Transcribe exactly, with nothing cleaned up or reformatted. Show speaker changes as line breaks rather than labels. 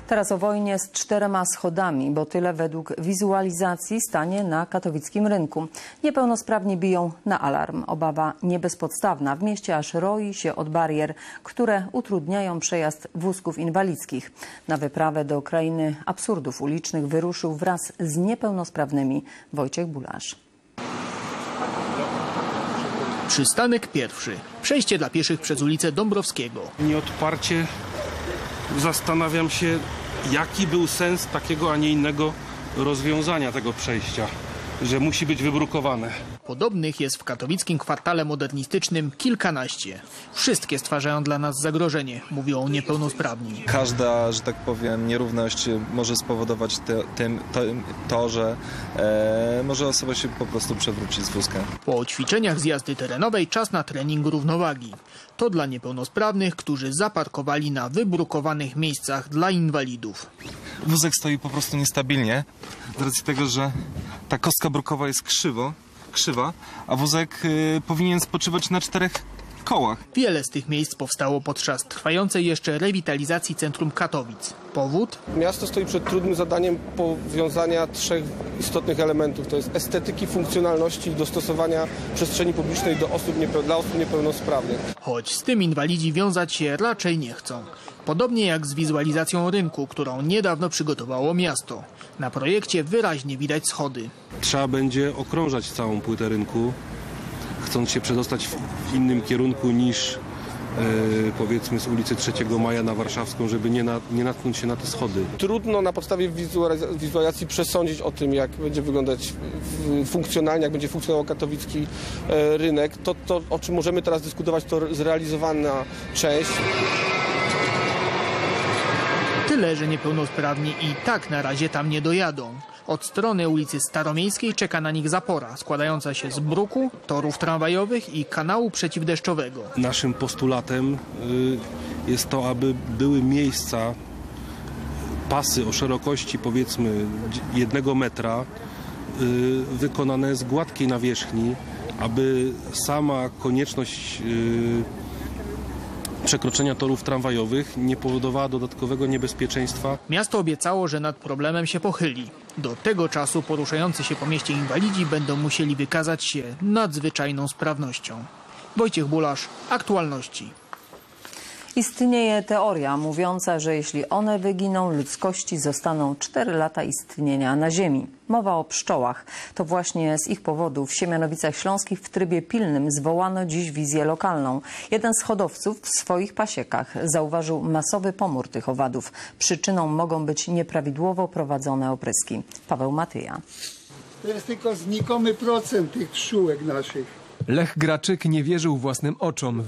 Teraz o wojnie z czterema schodami, bo tyle według wizualizacji stanie na katowickim rynku. Niepełnosprawni biją na alarm. Obawa nie bezpodstawna. W mieście aż roi się od barier, które utrudniają przejazd wózków inwalidzkich. Na wyprawę do krainy absurdów ulicznych wyruszył wraz z niepełnosprawnymi Wojciech Bulasz.
Przystanek pierwszy. Przejście dla pieszych przez ulicę Dąbrowskiego.
Nieodparcie zastanawiam się, jaki był sens takiego, a nie innego rozwiązania tego przejścia, że musi być wybrukowane.
Podobnych jest w katowickim kwartale modernistycznym kilkanaście. Wszystkie stwarzają dla nas zagrożenie, mówią niepełnosprawni.
Każda, że tak powiem, nierówność może spowodować te, tym, to, to, że e, może osoba się po prostu przewrócić z wózka.
Po ćwiczeniach z jazdy terenowej czas na trening równowagi. To dla niepełnosprawnych, którzy zaparkowali na wybrukowanych miejscach dla inwalidów.
Wózek stoi po prostu niestabilnie, z racji tego, że ta kostka brukowa jest krzywo, krzywa, a wózek y, powinien spoczywać na czterech kołach.
Wiele z tych miejsc powstało podczas trwającej jeszcze rewitalizacji centrum Katowic. Powód?
Miasto stoi przed trudnym zadaniem powiązania trzech istotnych elementów. To jest estetyki, funkcjonalności i dostosowania przestrzeni publicznej do osób niepeł- dla osób niepełnosprawnych.
Choć z tym inwalidzi wiązać się raczej nie chcą. Podobnie jak z wizualizacją rynku, którą niedawno przygotowało miasto. Na projekcie wyraźnie widać schody.
Trzeba będzie okrążać całą płytę rynku, chcąc się przedostać w innym kierunku niż Yy, powiedzmy z ulicy trzeciego Maja na Warszawską, żeby nie, na, nie natknąć się na te schody.
Trudno na podstawie wizualizacji, wizualizacji przesądzić o tym, jak będzie wyglądać funkcjonalnie, jak będzie funkcjonował katowicki e, rynek. To, to, o czym możemy teraz dyskutować, to zrealizowana część.
Tyle, że niepełnosprawni i tak na razie tam nie dojadą. Od strony ulicy Staromiejskiej czeka na nich zapora, składająca się z bruku, torów tramwajowych i kanału przeciwdeszczowego.
Naszym postulatem y, jest to, aby były miejsca, pasy o szerokości powiedzmy jednego metra, y, wykonane z gładkiej nawierzchni, aby sama konieczność y, przekroczenia torów tramwajowych nie powodowała dodatkowego niebezpieczeństwa.
Miasto obiecało, że nad problemem się pochyli. Do tego czasu poruszający się po mieście inwalidzi będą musieli wykazać się nadzwyczajną sprawnością. Wojciech Bulasz, Aktualności.
Istnieje teoria mówiąca, że jeśli one wyginą, ludzkości zostaną cztery lata istnienia na Ziemi. Mowa o pszczołach. To właśnie z ich powodu w Siemianowicach Śląskich w trybie pilnym zwołano dziś wizję lokalną. Jeden z hodowców w swoich pasiekach zauważył masowy pomór tych owadów. Przyczyną mogą być nieprawidłowo prowadzone opryski. Paweł Matyja.
To jest tylko znikomy procent tych pszczółek naszych.
Lech Graczyk nie wierzył własnym oczom.